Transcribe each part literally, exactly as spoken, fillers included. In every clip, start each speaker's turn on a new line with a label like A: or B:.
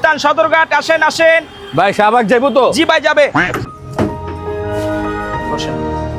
A: গুলিস্তান সদরঘাট, আসেন আসেন।
B: ভাই শাহবাগ যাইবো তো?
A: জি ভাই যাবে। বসেন।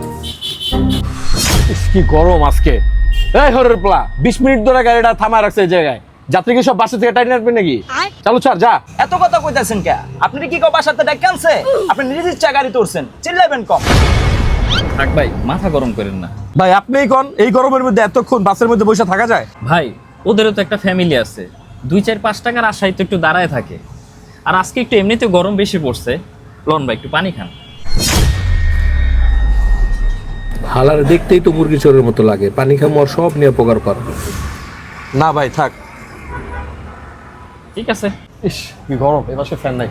B: ইস, কি গরম আজকে। এই হরের প্লা বিশ মিনিট ধরে গাড়িটা থামায় রাখছে এই জায়গায়। যাত্রী কি সব বাসা থেকে টাইনে আসবে নাকি? চালু ছাড় যা।
A: এত কথা কইতাছেন কে? আপনি কি কেউ বাসাতে ডাক আনছে? আপনি নিজের ইচ্ছা গাড়ি তুলছেন, চিল্লাবেন কম।
C: থাক ভাই, মাথা গরম করেন না
B: ভাই আপনিই কোন, এই গরমের মধ্যে এতক্ষণ বাসের মধ্যে বসে থাকা যায়?
C: ভাই। ওদেরও তো একটা ফ্যামিলি আছে, দুই চার পাঁচ টাকার আশায় তো একটু দাঁড়ায় থাকে। আর আজকে একটু এমনিতে গরম বেশি পড়ছে। লন ভাই একটু পানি খান।
D: হালার দেখতেই তো মুরগি চোরের মতো লাগে, পানি খামো আর সব নিয়ে পোকার পার।
B: না ভাই থাক।
C: ঠিক আছে।
B: ইস কি গরম, এবার সে ফ্যান নাই।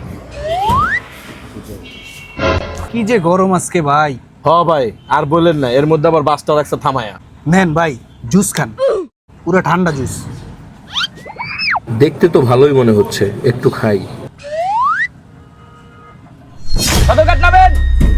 E: কি যে গরম আজকে ভাই।
B: হ ভাই আর বললেন না, এর মধ্যে আবার বাসটা রাখছে থামায়া।
E: নেন ভাই জুস খান, পুরো ঠান্ডা জুস।
D: দেখতে তো ভালোই মনে হচ্ছে, একটু খাই।
A: সদরঘাট নামেন।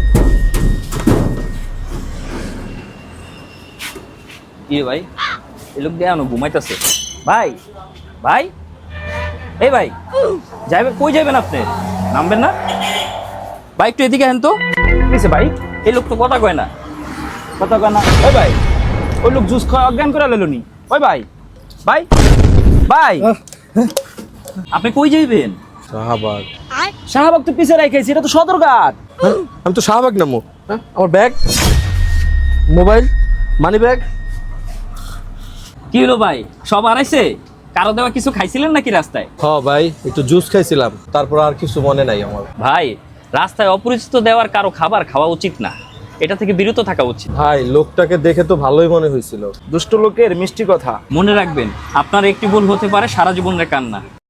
C: কি ভাই, এই লোক দেয়া ঘুমাইতেছে। ভাই ভাই এই ভাই যাইবে কই যাবেন আপনি? নামবেন না? ভাই একটু এদিকে হেন তো।
A: কিছে ভাই?
C: এই লোক তো কথা কয় না।
A: কথা কয় না? ওই ভাই, ওই লোক জুস খাওয়া অজ্ঞান করে লইলনি। ওই ভাই, ভাই ভাই
C: আপনি কই যাইবেন?
B: শাহবাগ।
A: শাহবাগ তো পিছে রাখাইছি, এটা তো সদরঘাট।
B: হ্যাঁ? আমি তো শাহবাগ নামো। হ্যাঁ আমার ব্যাগ, মোবাইল, মানি ব্যাগ।
C: কি হলো ভাই, সব আড়াইছে? কারো দেওয়া কিছু খাইছিলেন নাকি রাস্তায়?
B: হ ভাই একটু জুস খাইছিলাম, তারপর আর কিছু মনে নাই আমার।
C: ভাই রাস্তায় অপরিচিত দেওয়ার কারো খাবার খাওয়া উচিত না, এটা থেকে বিরত থাকা উচিত।
B: ভাই লোকটাকে দেখে তো ভালোই মনে হয়েছিল।
A: দুষ্ট লোকের মিষ্টি কথা।
C: মনে রাখবেন, আপনার একটি ভুল হতে পারে সারা জীবনের কান্না।